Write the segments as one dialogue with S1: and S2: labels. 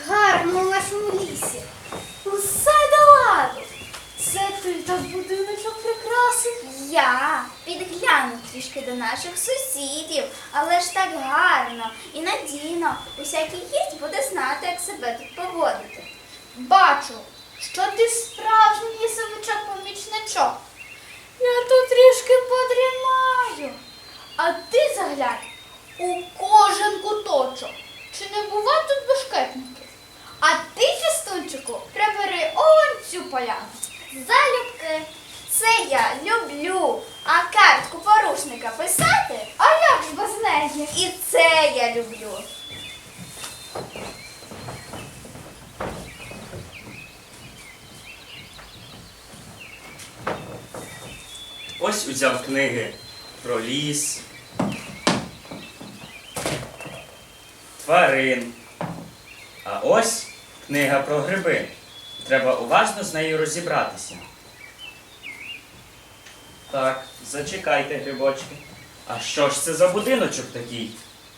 S1: гарно в нашому лісі. Усе до ладу. Це ти так будиночок прикрасив?
S2: Я підгляну трішки до наших сусідів, але ж так гарно і надійно. Усякий гість буде знати, як себе тут поводити.
S1: Бачу, що ти справжній лісовичок-помічничок. Я тут трішки подрімаю. А ти заглянь у кожен куточок. Чи не бува тут бешкетників? А ти, фістунчику, прибери он цю поляну.
S2: Залюбки, це я люблю. А картку порушника писати?
S1: А як ж без неї?
S2: І це я люблю.
S3: Ось узяв книги про ліс, тварин. А ось книга про гриби. Треба уважно з нею розібратися. Так, зачекайте, грибочки. А що ж це за будиночок такий?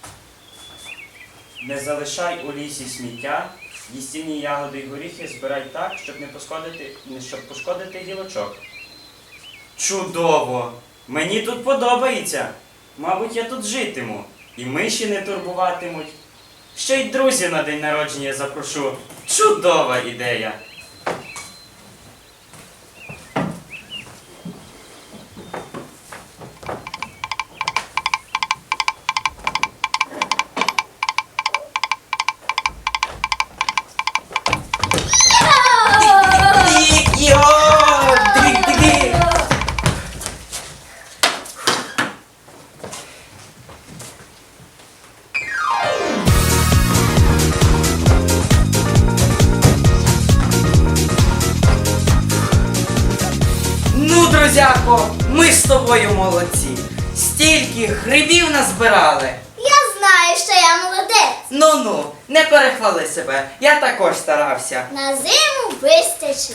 S3: Не залишай у лісі сміття, їстівні ягоди й горіхи збирай так, щоб пошкодити гілочок. Чудово! Мені тут подобається. Мабуть, я тут житиму. І миші не турбуватимуть. Ще й друзів на день народження запрошу. Чудова ідея!
S4: Ну, друзяко, ми з тобою молодці. Стільки грибів назбирали.
S2: Я знаю, що я молодець.
S4: Ну-ну, не перехвали себе. Я також старався.
S2: На зиму вистачить.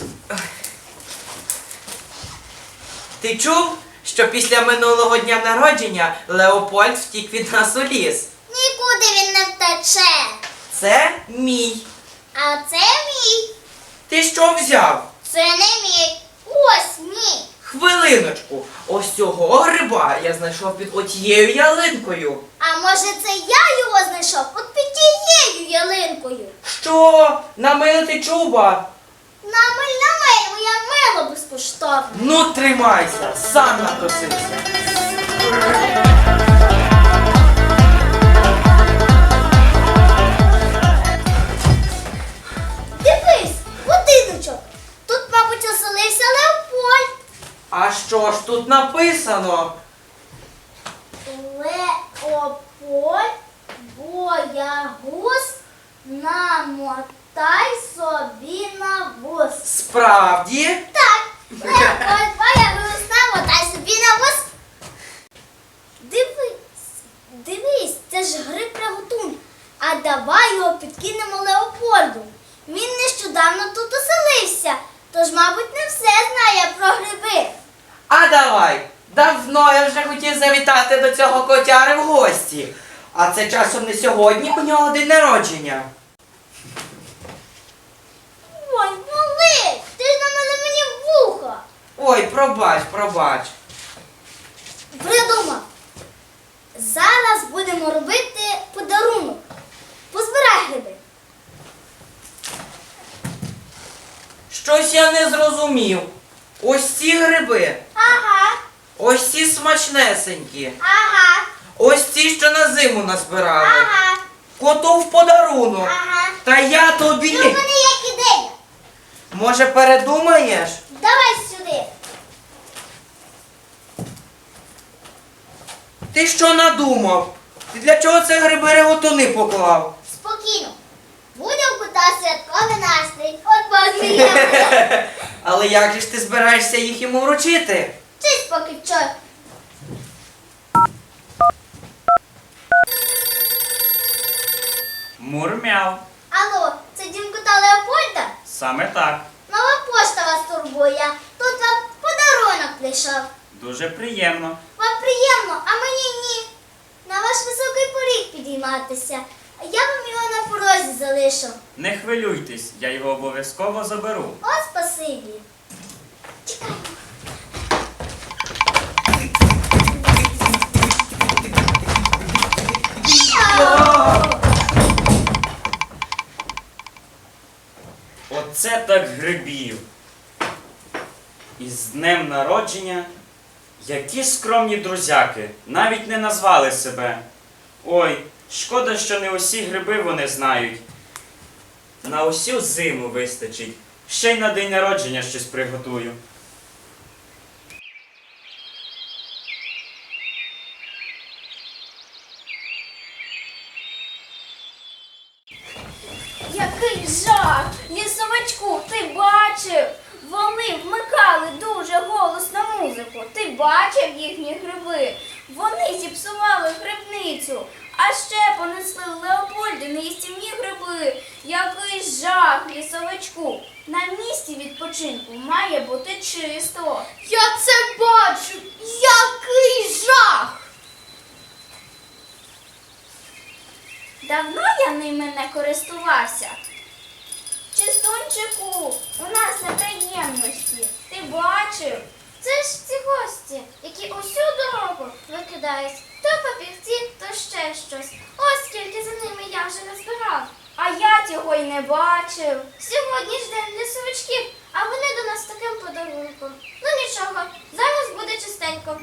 S4: Ти чув, що після минулого дня народження Леопольд втік від нас у ліс?
S2: Нікуди він не втече.
S4: Це мій.
S2: А це мій.
S4: Ти що взяв?
S2: Це не мій. Ось мій.
S4: Хвилиночку, ось цього гриба я знайшов під отією ялинкою.
S2: А може це я його знайшов от під тією ялинкою?
S4: Що? Намилити чуба?
S2: Намиль, моя мило безкоштовно.
S4: Ну, тримайся, сам напросився.
S2: Дивись, будиночок. Тут, мабуть, оселився Леопольд.
S4: А що ж тут написано?
S2: Леопольд, боягуз, намотай собі на вуз.
S4: Справді?
S2: Так, Леопольд, боягуз, намотай собі на вуз. Дивись, це ж гриб приготун. А давай його підкинемо Леопольду. Він нещодавно тут оселився, тож, мабуть, не все знає про гриби.
S4: А давай. Давно я вже хотів завітати до цього котяри в гості. А це часом не сьогодні, у нього день народження.
S2: Ой, малий, ти ж намили мені вуха.
S4: Ой, пробач.
S2: Придумав. Зараз будемо робити подарунок. Позбирай гриби.
S4: Щось я не зрозумів. Ось ці гриби,
S2: Ага,
S4: ось ці смачнесенькі,
S2: ага,
S4: ось ці, що на зиму назбирали.
S2: ага,
S4: Коту в подарунок.
S2: ага.
S4: Та я
S2: І
S4: тобі.
S2: у мене є ідея.
S4: Може, передумаєш?
S2: Давай сюди.
S4: Ти що надумав? Ти для чого це гриби реготуни поклав?
S2: Спокійно. Буде у кота святковий настрій. От посміємо.
S4: Але як же ж ти збираєшся їх йому вручити?
S2: Чись поки що.
S3: Мурмяв.
S2: Алло, це дім кота Леопольда?
S3: Саме так.
S2: Нова пошта вас турбує. Тут вам подарунок прийшов.
S3: Дуже приємно.
S2: Вам приємно, а мені ні. На ваш високий поріг підійматися. Я вам його порозі залишив.
S3: Не хвилюйтесь, я його обов'язково заберу.
S2: О, спасибі. Чекай.
S3: Оце так грибів. І з днем народження. Які скромні друзяки, навіть не назвали себе. Ой, шкода, що не усі гриби вони знають. На усю зиму вистачить. Ще й на день народження щось приготую.
S1: Який жах! Лісовичку, ти бачив? Вони вмикали дуже голосно музику. Ти бачив їхні гриби? Вони зіпсували грибницю. А ще понесли Леопольдини їстівні гриби. Який жах, лісовичку! На місці відпочинку має бути чисто. Я це бачу! Який жах! Давно я ними не користувався. Чистунчику, у нас неприємності. Ти бачив? Це ж ці гості, які усю дорогу викидають то папірці, то ще щось. Ось скільки за ними я вже назбирав. А я цього й не бачив. Сьогодні ж день лісовичків, а вони до нас з таким подарунком. Ну нічого, зараз буде чистенько.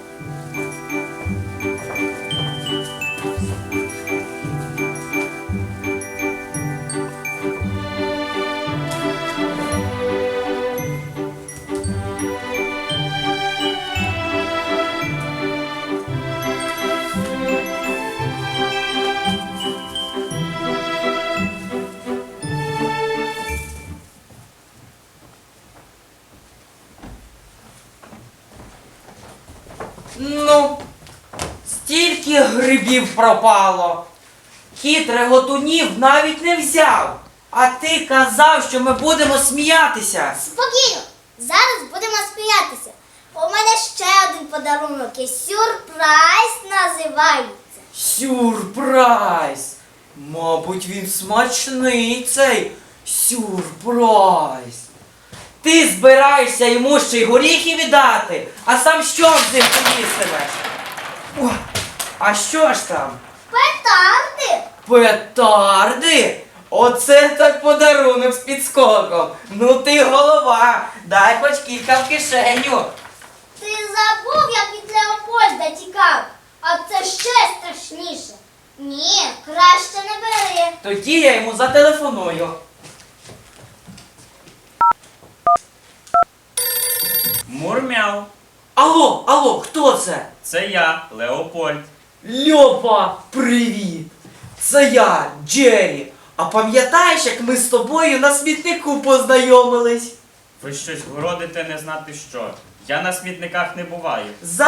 S4: Ну, стільки грибів пропало. Кіт реготунів навіть не взяв. А ти казав, що ми будемо сміятися.
S2: Спокійно, зараз будемо сміятися. У мене ще один подарунок і сюрприз називається.
S4: Сюрприз! Мабуть, він смачний цей сюрприз. Ти збираєшся йому ще й горіхи віддати, а сам що з ним поїстимеш? О, а що ж там?
S2: Петарди!
S4: Петарди? Оце так подарунок з підскоком. Ну ти голова, дай хоч кілька в кишеню.
S2: Ти забув, як від Леопольда тікав, а це ще страшніше. Ні, краще не бери.
S4: Тоді я йому зателефоную.
S3: Мурмяу.
S4: Алло, хто це?
S3: Це я, Леопольд.
S4: Льопа, привіт! Це я, Джері. А пам'ятаєш, як ми з тобою на смітнику познайомились?
S3: Ви щось городите не знати що. Я на смітниках не буваю.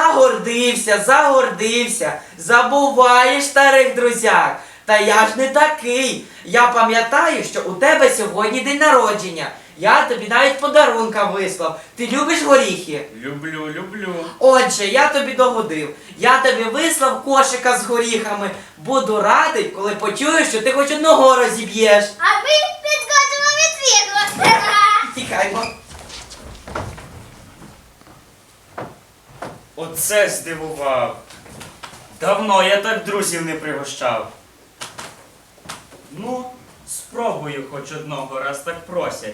S4: Загордився. Забуваєш старих друзяк. Та я ж не такий. Я пам'ятаю, що у тебе сьогодні день народження. Я тобі навіть подарунка вислав. Ти любиш горіхи?
S3: Люблю.
S4: Отже, я тобі догодив. Я тобі вислав кошика з горіхами. Буду радий, коли почую, що ти хоч одного розіб'єш.
S2: А ми підкотимо відвідувати.
S4: Тікаймо.
S3: Оце здивував. Давно я так друзів не пригощав. Ну, спробую хоч одного, раз так просять.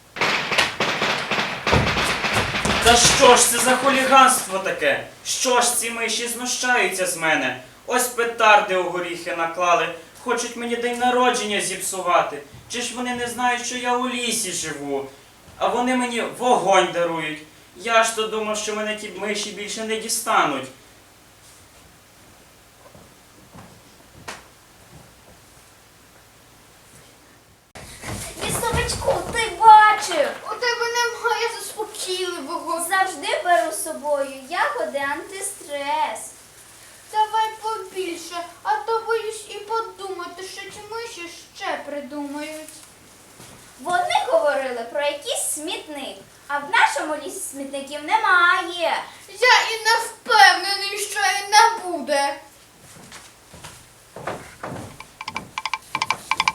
S3: Та що ж це за хуліганство таке? Що ж ці миші знущаються з мене? Ось петарди у горіхи наклали, хочуть мені день народження зіпсувати. Чи ж вони не знають, що я у лісі живу? А вони мені вогонь дарують. Я ж то думав, що мене ті миші більше не дістануть.
S1: Лісовичку, ти бачив? У тебе немає заспокійливого. Завжди беру з собою ягоди антистрес. Давай побільше, а то боюсь і подумати, що ті миші ще придумають. Вони говорили про якийсь смітник, а в нашому лісі смітників немає. Я і не впевнений, що і не буде.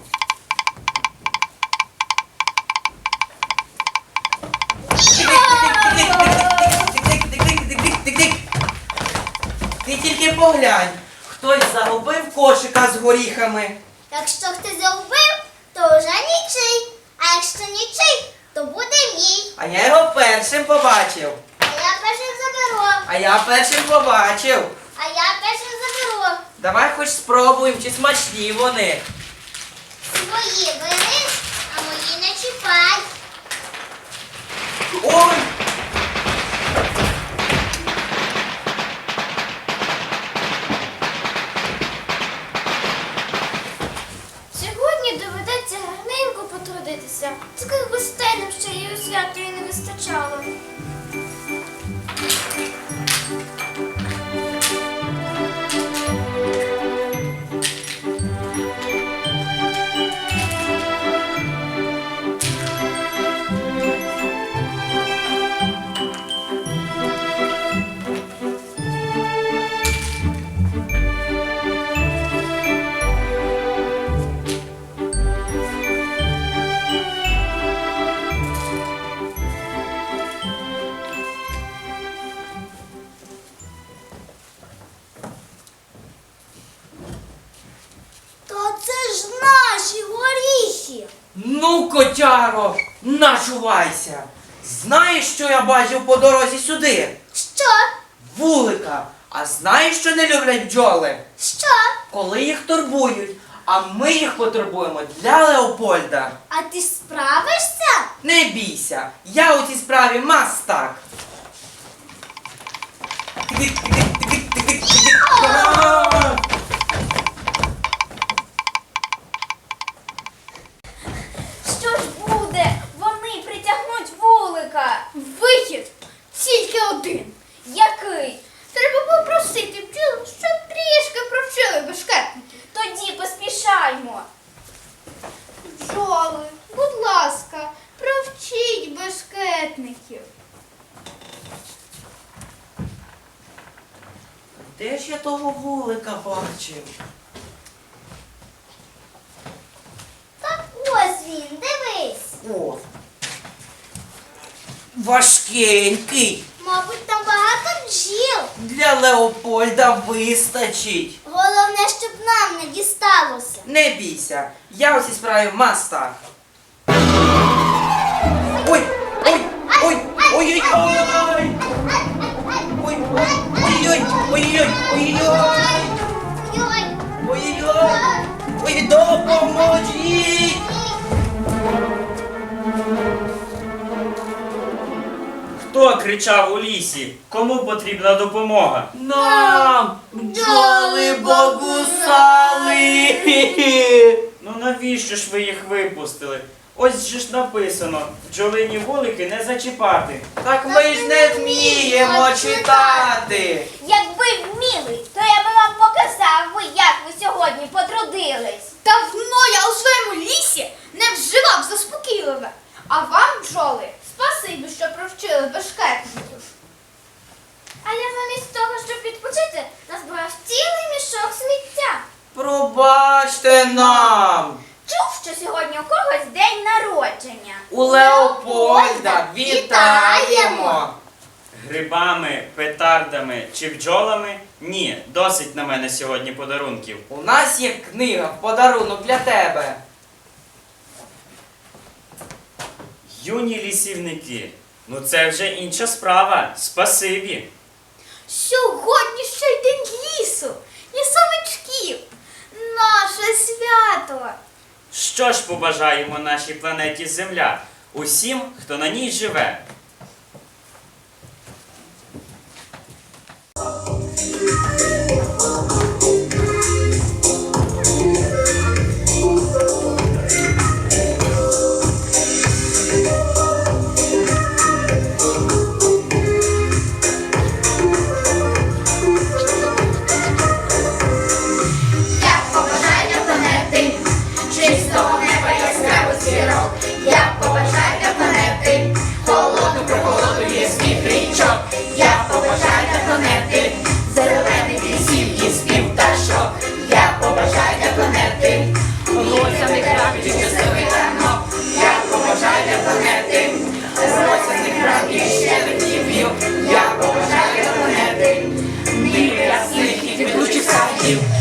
S4: тільки поглянь, хтось загубив кошика з горіхами.
S2: Якщо хтось загубив, то вже нічий. А якщо нічий, то буде мій.
S4: А я його першим побачив.
S2: А я першим заберу.
S4: А я першим побачив.
S2: А я першим заберу.
S4: Давай хоч спробуємо, чи смачні вони.
S2: Свої бери, а мої не чіпай.
S4: Ой!
S1: Сьогодні доведеться гарненько потрудитися. Таких гостей нам ще й у свято і не вистачало.
S2: Та це ж наші горіхи.
S4: Ну, котяро, начувайся. Знаєш, що я бачив по дорозі сюди?
S2: Що?
S4: Вулика. А знаєш, що не люблять бджоли?
S2: Що?
S4: Коли їх турбують. А ми їх потурбуємо для Леопольда.
S2: А ти справишся?
S4: Не бійся, я у цій справі мастак.
S1: Що ж буде? Вони притягнуть вулика. Вихід тільки один. Який? Треба попросити бджіл, щоб трішки провчили бешкетники. Тоді поспішаймо. Бджоли, будь ласка, провчіть бешкетників.
S4: Де ж я того вулика бачив?
S2: Так ось він, дивись.
S4: О! Важкенький.
S2: Мабуть, там багато бджіл.
S4: Для Леопольда вистачить.
S2: Головне, щоб нам не дісталося.
S4: Не бійся, я у цій справі мастак. Ой! Ой! Ой! Ой-ой-ой! Ой! Ой-ой! Ой-ой! Ой-ой!
S2: Йой,
S4: Ой-ой! Ой, допоможіть!
S3: Хто кричав у лісі? Кому потрібна допомога?
S4: Нам бджоли богусали!
S3: Ну навіщо ж ви їх випустили? Ось же ж написано, бджолині вулики не зачіпати.
S4: Так ми ж не вміємо читати.
S1: Якби вміли, то я би вам показав, як ви сьогодні потрудились. Давно я у своєму лісі не вживав заспокійливе. А вам, бджоли, спасибі, що провчили бешкетників. А я замість того, щоб відпочити, назбирав цілий мішок сміття.
S4: Пробачте нам.
S1: Чув, що сьогодні у когось день народження.
S4: У Леопольда вітаємо.
S3: Грибами, петардами чи бджолами? Ні, досить на мене сьогодні подарунків.
S4: У нас є книга в подарунок для тебе.
S3: Юні лісівники, ну це вже інша справа. Спасибі.
S1: Сьогодні ще й день лісу, лісовичків. Наше свято.
S3: Що ж побажаємо нашій планеті Земля? Усім, хто на ній живе.
S5: Як побажання планети, чистого неба яскравих зірок, як побажання планети, холодну горіхів.